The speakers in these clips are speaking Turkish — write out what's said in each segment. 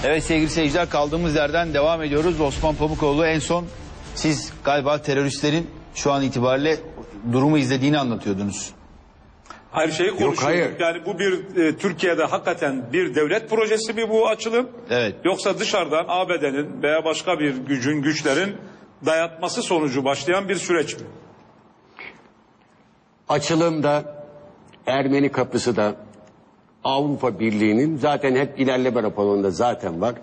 Evet sevgili seyirciler, kaldığımız yerden devam ediyoruz. Osman Pamukoğlu, en son siz galiba teröristlerin şu an itibariyle durumu izlediğini anlatıyordunuz. Her şeyi konuşuyoruz. hayır. Yani bu bir Türkiye'de hakikaten bir devlet projesi mi bu açılım? Evet. Yoksa dışarıdan ABD'nin veya başka bir güçlerin dayatması sonucu başlayan bir süreç mi? Açılımda, Ermeni kapısı da, Avrupa Birliği'nin zaten hep ilerleme raporunda zaten var.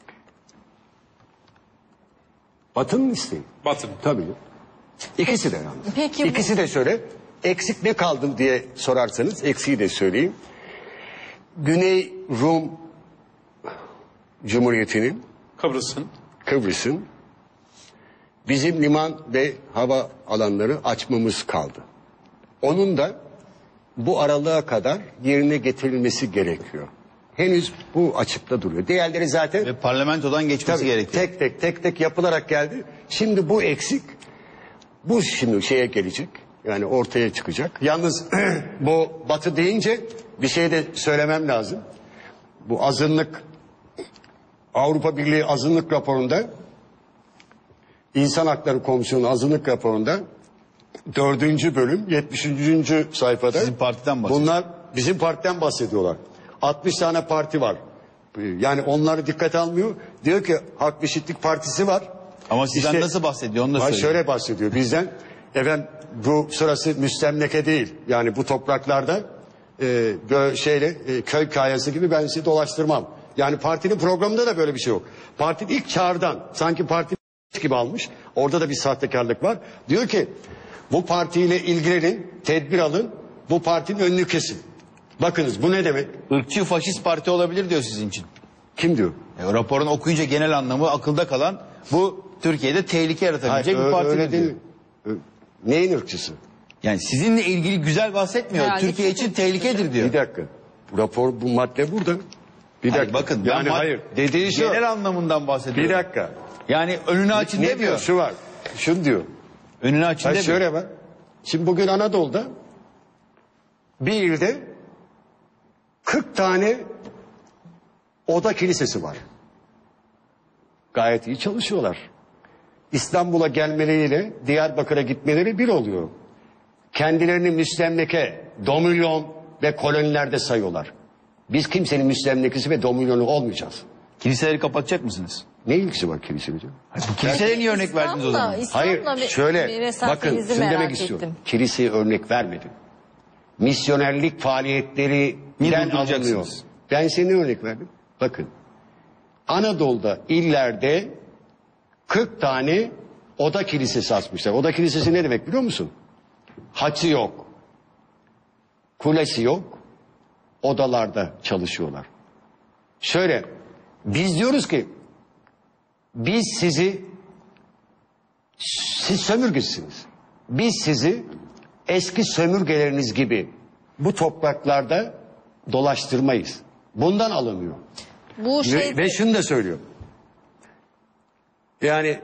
Batı'nın isteği. Batın. Tabii. İkisi de yalnız. Peki İkisi de şöyle. Eksik ne kaldı diye sorarsanız eksiği de söyleyeyim. Güney Rum Cumhuriyeti'nin, Kıbrıs'ın bizim liman ve hava alanları açmamız kaldı. Onun da bu aralığa kadar yerine getirilmesi gerekiyor. Henüz bu açıkta duruyor. Diğerleri zaten Ve parlamentodan geçmesi gerekiyor. tek tek yapılarak geldi. Şimdi bu eksik. Bu şimdi şeye gelecek. Yani ortaya çıkacak. Yalnız bu Batı deyince bir şey de söylemem lazım. Bu azınlık, Avrupa Birliği azınlık raporunda, İnsan Hakları Komisyonu azınlık raporunda 4. bölüm 73. sayfada Sizin partiden bahsediyor. bunlar bizim partiden bahsediyorlar. 60 tane parti var. Yani onları dikkate almıyor. Diyor ki Hak ve Eşitlik Partisi var. Ama sizden İşte- nasıl bahsediyor onu da Hayır, söyleyeyim. şöyle bahsediyor bizden. Efendim bu sırası müstemleke değil. Yani bu topraklarda köy kayası gibi ben sizi dolaştırmam. Yani partinin programında da böyle bir şey yok. Parti ilk çağrıdan sanki parti gibi almış. Orada da bir sahtekarlık var. Diyor ki bu partiyle ilgilenin, tedbir alın, bu partinin önünü kesin. Bakınız bu ne demek? Irkçı faşist parti olabilir diyor sizin için. Kim diyor? Raporun okuyunca genel anlamı akılda kalan, bu Türkiye'de tehlike yaratabilecek bir parti öyle diyor. değil. Neyin ırkçısı? Yani sizinle ilgili güzel bahsetmiyor. Herhalde Türkiye için tehlikedir diyor. Bir dakika. Bu rapor, bu madde burada. Bir Hayır, dakika. bakın Yani ben hayır. Dediği şu. genel anlamından bahsediyorum. Bir dakika. Yani önünü açın Ne diyor? demiyor. Şu var. Şunu diyor. Önünü açın Ha, demiyor. şöyle bak. Şimdi bugün Anadolu'da bir ilde 40 tane oda kilisesi var. Gayet iyi çalışıyorlar. İstanbul'a gelmeleriyle Diyarbakır'a gitmeleri bir oluyor. Kendilerini müstemleke, domilyon ve kolonilerde sayıyorlar. Biz kimsenin müstemlekesi ve domilyonu olmayacağız. Kiliseleri kapatacak mısınız? Ne ilgisi var kiliseyle? Kiliseye niye örnek verdiniz o zaman? Hayır, şöyle bakın şunu demek istiyorum. Kiliseye örnek vermedim. Misyonerlik faaliyetlerinden durduracaksınız? alınıyor. Ben size ne örnek verdim? Bakın, Anadolu'da illerde 40 tane oda kilisesi açmışlar. Oda kilisesi ne demek biliyor musun? Haçı yok, kulesi yok, odalarda çalışıyorlar. Şöyle, biz diyoruz ki, siz sömürgesiniz. Biz sizi eski sömürgeleriniz gibi bu topraklarda dolaştırmayız. Bundan alınıyor. Bu şey Ve şunu da söylüyor. Yani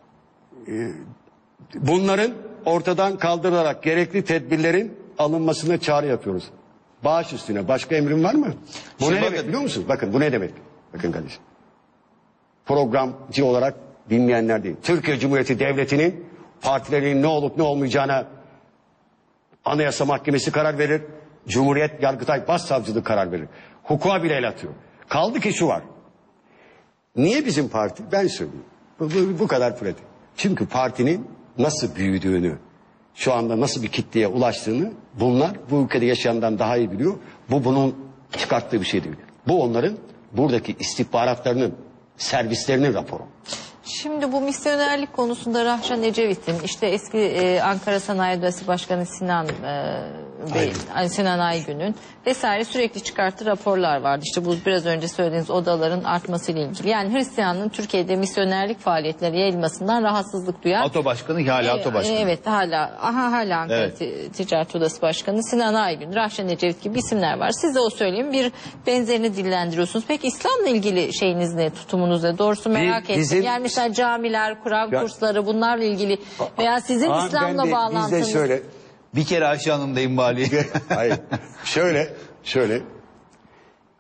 bunların ortadan kaldırılarak gerekli tedbirlerin alınmasına çağrı yapıyoruz. Bağış üstüne başka emrin var mı? Bu Şimdi ne bakın. demek biliyor musun? Bakın bu ne demek? Bakın kardeşim. Programcı olarak dinleyenler değil. Türkiye Cumhuriyeti Devleti'nin partilerin ne olup ne olmayacağına Anayasa Mahkemesi karar verir. Cumhuriyet Yargıtay Başsavcılığı karar verir. Hukuka bile el atıyor. Kaldı ki şu var. Niye bizim parti? Ben söyleyeyim. Bu kadar pratik. Çünkü partinin nasıl büyüdüğünü, şu anda nasıl bir kitleye ulaştığını bunlar bu ülkede yaşayandan daha iyi biliyor. Bu bunun çıkarttığı bir şey değil. Bu onların buradaki istihbaratlarının, servislerinin raporu. Şimdi bu misyonerlik konusunda Rahşan Ecevit'in işte eski Ankara Sanayi Odası Başkanı Sinan Sinan Aygün'ün vesaire sürekli çıkarttığı raporlar vardı. İşte bu biraz önce söylediğiniz odaların artmasıyla ilgili. Yani Hristiyanlığın Türkiye'de misyonerlik faaliyetleri yayılmasından rahatsızlık duyan. ATO Başkanı hala ATO Başkanı. Evet hala Ankara Ticaret Odası Başkanı Sinan Aygün, Rahşan Ecevit gibi isimler var. Siz de o söyleyeyim bir benzerini dillendiriyorsunuz. Peki İslam'la ilgili şeyiniz ne, tutumunuz ne? Doğrusu merak ettim. Yani mesela camiler, Kur'an kursları bunlarla ilgili veya sizin İslam'la bağlantınız. Biz de şöyle. Bir kere Ayşe Hanım'dayım bari. Hayır. Şöyle.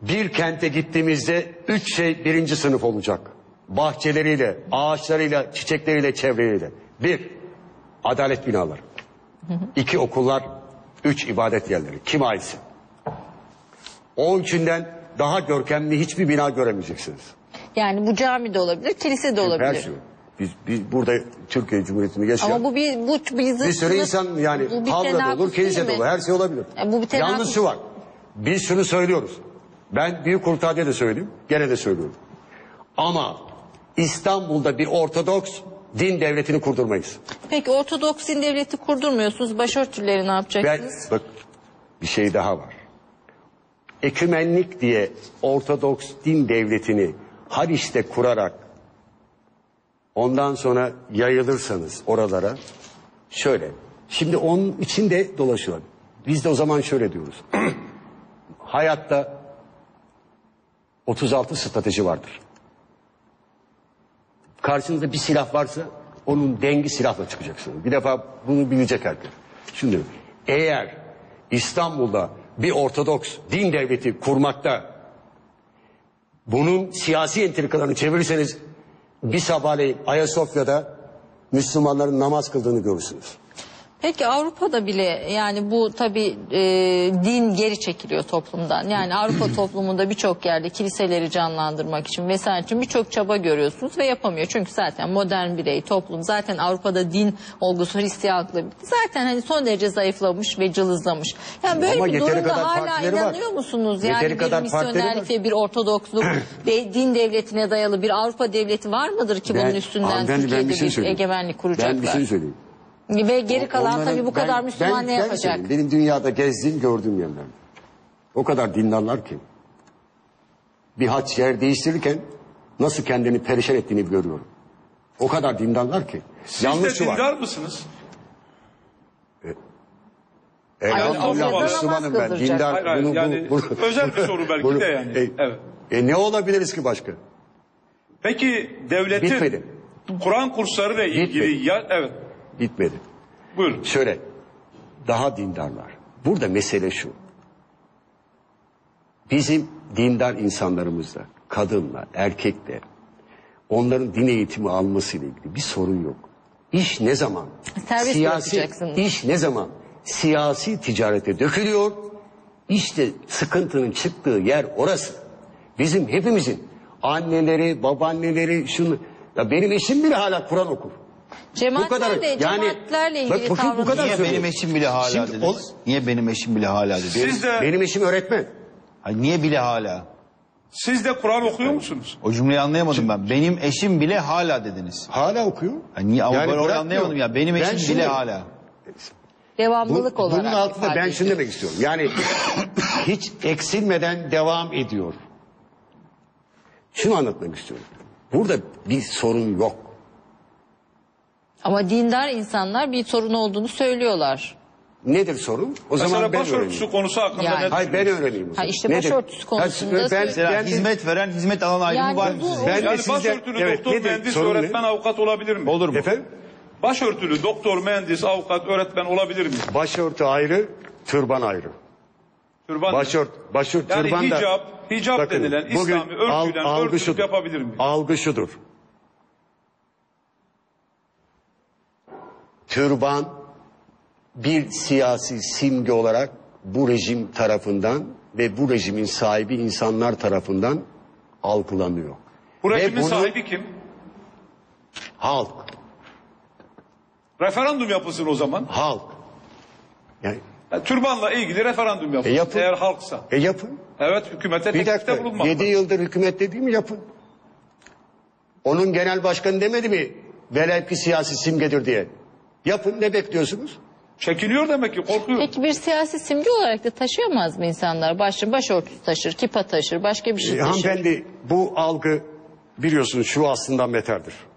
Bir kente gittiğimizde 3 şey birinci sınıf olacak. Bahçeleriyle, ağaçlarıyla, çiçekleriyle, çevreleriyle. 1. Adalet binaları. 2. Okullar. 3. ibadet yerleri. Kim aitse. O üçünden daha görkemli hiçbir bina göremeyeceksiniz. Yani bu cami de olabilir, kilise de olabilir. Her şey. Biz burada Türkiye Cumhuriyeti'nde yaşayan Ama bu bir sürü insan yani bu bir havla da olur, tenakuz kilise değil de mi? olur, her şey olabilir. Bu bir tenakuz. Yalnız şu var, biz şunu söylüyoruz. Ben Büyük Kurtadiye de söyleyeyim, gene de söylüyorum. Ama İstanbul'da bir Ortodoks din devletini kurdurmayız. Peki Ortodoks din devleti kurdurmuyorsunuz, başörtüleri ne Ben, yapacaksınız? bak bir şey daha var. Ekümenlik diye Ortodoks din devletini Haliç'te kurarak ondan sonra yayılırsanız oralara şöyle. Şimdi onun içinde dolaşıyorlar. Biz de o zaman şöyle diyoruz. Hayatta 36 strateji vardır. Karşınızda bir silah varsa onun dengi silahla çıkacaksınız. Bir defa bunu bilecek herkes. Şimdi eğer İstanbul'da bir Ortodoks din devleti kurmakta bunun siyasi entrikalarını çevirirseniz bir sabahleyin Ayasofya'da Müslümanların namaz kıldığını görürsünüz. Peki Avrupa'da bile yani bu tabii din geri çekiliyor toplumdan. Yani Avrupa toplumunda birçok yerde kiliseleri canlandırmak için vesaire için birçok çaba görüyorsunuz ve yapamıyor. Çünkü zaten modern birey toplum zaten Avrupa'da din olgusu Hristiyanlıkla zaten hani son derece zayıflamış ve cılızlamış. Yani böyle Ama bir yeteri durumda kadar hala partileri var. inanıyor musunuz? Yani Yeteri bir kadar partileri var. misyonerlikle bir Ortodoksluk ve din devletine dayalı bir Avrupa devleti var mıdır ki bunun üstünden Hanımefendi, Türkiye'de bir şey bir söyleyeyim. egemenlik kuracaklar? Ben bir şey söyleyeyim. Ve geri kalan Onların- tabii bu kadar ben- Müslüman ne ben yapacak? söyleyeyim. Benim dünyada gezdiğim gördüğüm yerler. O kadar dindarlar ki. Bir haç yer değiştirirken nasıl kendini perişan ettiğini görüyorum. O kadar dindarlar ki. Siz Yalnız de şu var. dindar mısınız? Elhamdülillah Ayasofya'da Müslümanım namaz ben. Dindar. Hayır, hayır, yani özel bir soru belki de yani. Evet. Ne olabiliriz ki başka? Peki devletin Bitmedi. Kur'an kurslarıyla ilgili Bitmedi. evet Bitmedi. buyurun. Şöyle daha dindarlar. Burada mesele şu. Bizim dindar insanlarımızda kadınla, erkekle onların din eğitimi almasıyla ilgili bir sorun yok. İş ne zaman Serbest bırakacaksınız. iş ne zaman siyasi ticarete dökülüyor? İşte sıkıntının çıktığı yer orası. Bizim hepimizin anneleri, babaanneleri şunu ya benim eşim bile hala Kur'an okur. Cemaatlerle, cemaatlerle ilgili bakın bu kadar Niye söylüyorum. benim eşim bile hala Şimdi dediniz? Niye benim eşim bile hala dediniz? Benim eşim öğretmen. Hayır, niye bile hala? Siz de Kur'an okuyor musunuz? O cümleyi anlayamadım ben. Benim eşim bile hala dediniz. Hala okuyor. Hayır, niye? Ama ben orayı bırakmıyor. anlayamadım ya. Benim Ben eşim şunu- bile hala. devamlılık olarak. Bunun altında ifade ben ediyor. şunu demek istiyorum. Yani hiç eksilmeden devam ediyor. Şunu anlatmak istiyorum. Burada bir sorun yok. Ama dindar insanlar bir sorun olduğunu söylüyorlar. Nedir sorun? O Mesela zaman ben başörtüsü öğreneyim. konusu hakkında Yani. ne Hayır ben öğreneyim. o zaman. Ha, işte Nedir? başörtüsü konusunda ben, Mesela ben, hizmet veren, hizmet alan ayrımı Yani var mı bu- sizce? ben de Yani sizden- başörtülü evet, doktor, nedir? mühendis, Sorun ne? öğretmen, avukat olabilir mi? Olur mu? Efendim? Başörtülü doktor, mühendis, avukat, öğretmen olabilir mi? Başörtü ayrı, türban ayrı. Türban. Başört, Yani türban da... hicap Bakın, denilen bugün İslami örtüyle algı örtülük şudur. yapabilir mi? Algı şudur. Türban bir siyasi simge olarak bu rejim tarafından ve bu rejimin sahibi insanlar tarafından algılanıyor. Bu Ve rejimin bunu sahibi kim? halk, Referandum yapılsın o zaman. halk. Yani, Yani türbanla ilgili referandum yapılsın. yapın. Eğer halksa. yapın. Evet, hükümete Bir teklifte dakika, bulunmak. 7 yıldır hükümet dediğimi yapın. Onun genel başkanı demedi mi velev ki siyasi simgedir diye. Yapın, ne bekliyorsunuz? Çekiniyor demek ki, korkuyor. Peki bir siyasi simge olarak da taşıyamaz mı insanlar? Başörtüsü taşır, kipa taşır, başka bir şey taşır. Hanımefendi bu algı biliyorsunuz şu aslından beterdir.